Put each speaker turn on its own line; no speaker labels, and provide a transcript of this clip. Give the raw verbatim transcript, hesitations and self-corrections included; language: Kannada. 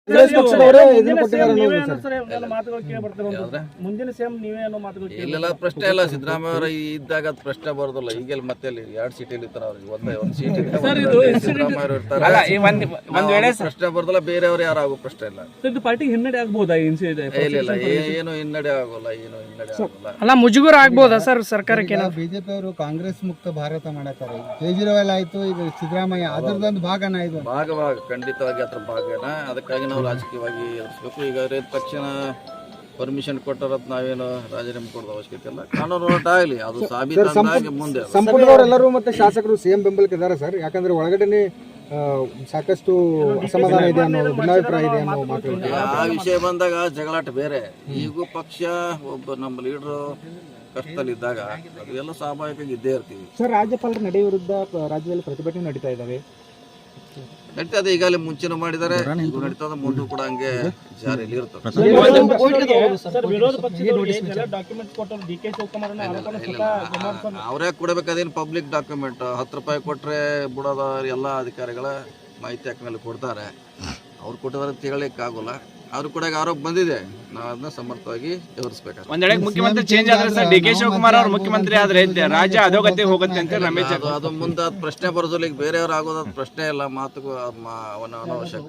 ಮುಂದಿನ ಸಿಎಂ ನೀವೇ ಅನ್ನೋ ಮಾತುಗಳು
ಇಲ್ಲೆಲ್ಲ ಪ್ರಶ್ನೆ ಇಲ್ಲ. ಸಿದ್ದರಾಮಯ್ಯ ಅವರು ಇದ್ದಾಗ ಅದು ಪ್ರಶ್ನೆ ಬರೋದಿಲ್ಲ. ಈಗೆಲ್ಲ ಮತ್ತೆ ಎರಡು ಸೀಟಲ್ಲಿ ಇರ್ತಾರೆ ಅವ್ರಿಗೆ, ಒಂದೇ ಒಂದು ಸೀಟ್ ಇದೆ. ಸಿದ್ದರಾಮಯ್ಯ ಅವರು ಇರ್ತಾರೆ, ಪ್ರಶ್ನೆ ಬರೋದಿಲ್ಲ. ಬೇರೆಯವರು ಯಾರು ಆಗೋ ಪ್ರಶ್ನೆ ಇಲ್ಲ.
ಇದು ಪಾರ್ಟಿಗೆ ಹಿನ್ನಡೆ ಆಗ್ಬೋದಾ?
ಇಲ್ಲ ಇಲ್ಲ, ಏನು ಹಿನ್ನಡೆ ಆಗೋಲ್ಲ, ಏನು ಹಿನ್ನಡೆ ಆಗೋಲ್ಲ.
ಅಲ್ಲ, ಮುಜುಗರ ಆಗ್ಬೋದಾ ಸರ್ ಸರ್ಕಾರಕ್ಕೆ?
ಬಿಜೆಪಿ ಅವರು ಕಾಂಗ್ರೆಸ್ ಮುಕ್ತ ಭಾರತ ಮಾಡತಾರೆ. ಕೇಜ್ರಿವಾಲ್ ಆಯ್ತು, ಈಗ ಸಿದ್ದರಾಮಯ್ಯ ಅದರದೊಂದು ಭಾಗನ ಇದು
ಭಾಗ ಭಾಗ ಖಂಡಿತವಾಗಿ ಅದ್ರ ಭಾಗನ. ಅದಕ್ಕಾಗಿ ನಾವು ರಾಜಕೀಯವಾಗಿ ಎದುರಿಸಬೇಕು. ಈಗ ರೇಟ್ ತಕ್ಷಣ ಪರ್ಮಿಷನ್ ಕೊಟ್ಟರತ್ ನಾವೇನು ರಾಜೀನಾಮೆ ಕೊಡೋದು ಅವಶ್ಯಕತೆ ಇಲ್ಲ. ಕಾನೂನು ಹೋರಾಟ ಆಗಲಿ, ಅದು ಸಾಬೀತಾಗಿ ಮುಂದೆ
ಸಂಪುಟದವರೆಲ್ಲರೂ ಮತ್ತೆ ಶಾಸಕರು ಸಿಎಂ ಬೆಂಬಲಕ್ಕೆ ಇದ್ದಾರೆ ಸರ್. ಯಾಕಂದ್ರೆ ಒಳಗಡೆ ಸಾಕಷ್ಟು ಅಸಮಾಧಾನ ಇದೆ ಅನ್ನೋ ಭಿನ್ನಾಭಿಪ್ರಾಯ ಇದೆ ಅನ್ನೋ ಮಾತು.
ಆ ವಿಷಯ ಬಂದಾಗ ಜಗಳಾಟ ಬೇರೆ. ಈಗೂ ಪಕ್ಷ ಒಬ್ಬ ನಮ್ಮ ಲೀಡರ್ ಕಷ್ಟದಲ್ಲಿದ್ದಾಗ ಅದೆಲ್ಲ ಸ್ವಾಭಾವಿಕವಾಗಿ ಇದ್ದೇ ಇರ್ತೀವಿ
ಸರ್. ರಾಜ್ಯಪಾಲರ ನಡೆ ವಿರುದ್ಧ ರಾಜ್ಯದಲ್ಲಿ ಪ್ರತಿಭಟನೆ ನಡೀತಾ ಇದ್ದಾವೆ.
ನಡೀತದೆ, ಈಗಾಗಲೇ ಮುಂಚೆನೂ ಮಾಡಿದ್ದಾರೆ, ಈಗ ನಡೀತದೆ, ಮುಂದೆ ಕೂಡ ಹಂಗೆ ಜಾರಿಯಲ್ಲಿ ಇರ್ತದೆ.
ವಿರೋಧ ಪಕ್ಷದವರು ಡಾಕ್ಯುಮೆಂಟ್ಸ್ ಕೊಟ್ಟರು ಡಿ ಕೆ ಶಿವಕುಮಾರ್
ಅವರೇ ಕೊಡಬೇಕು. ಅದೇನು ಪಬ್ಲಿಕ್ ಡಾಕ್ಯುಮೆಂಟ್. ಹತ್ತು ರೂಪಾಯಿ ಕೊಟ್ಟರೆ ಬಿಡೋದ ಎಲ್ಲ ಅಧಿಕಾರಿಗಳ ಮಾಹಿತಿ ಹಾಕ ಮೇಲೆ ಕೊಡ್ತಾರೆ. ಅವ್ರು ಕೊಟ್ಟಿದ್ದಾರೆ ಅಂತ ಹೇಳಲಿಕ್ಕೆ ಆಗೋಲ್ಲ. ಅವ್ರು ಕೂಡ ಆರೋಪ ಬಂದಿದೆ, ನಾವು ಅದನ್ನ ಸಮರ್ಥವಾಗಿ ಎದುರಿಸಬೇಕು.
ಒಂದ್ ವೇಳೆ ಮುಖ್ಯಮಂತ್ರಿ ಚೇಂಜ್ ಆದ್ರೆ ಸರ್, ಡಿ ಕೆ ಶಿವಕುಮಾರ್ ಅವರು ಮುಖ್ಯಮಂತ್ರಿ ಆದ್ರೆ ರಾಜ್ಯ ಅಧೋಗತಿ ಹೋಗುತ್ತೆ ಅಂತ ರಮೇಶ್
ಅದು ಮುಂದೆ ಪ್ರಶ್ನೆ ಬರೋದಿಲ್ಲ. ಈಗ ಬೇರೆಯವ್ರು ಆಗೋದ್ ಪ್ರಶ್ನೆ ಇಲ್ಲ, ಮಾತುಗೂ ಅವನ ಅನವಶ್ಯಕ.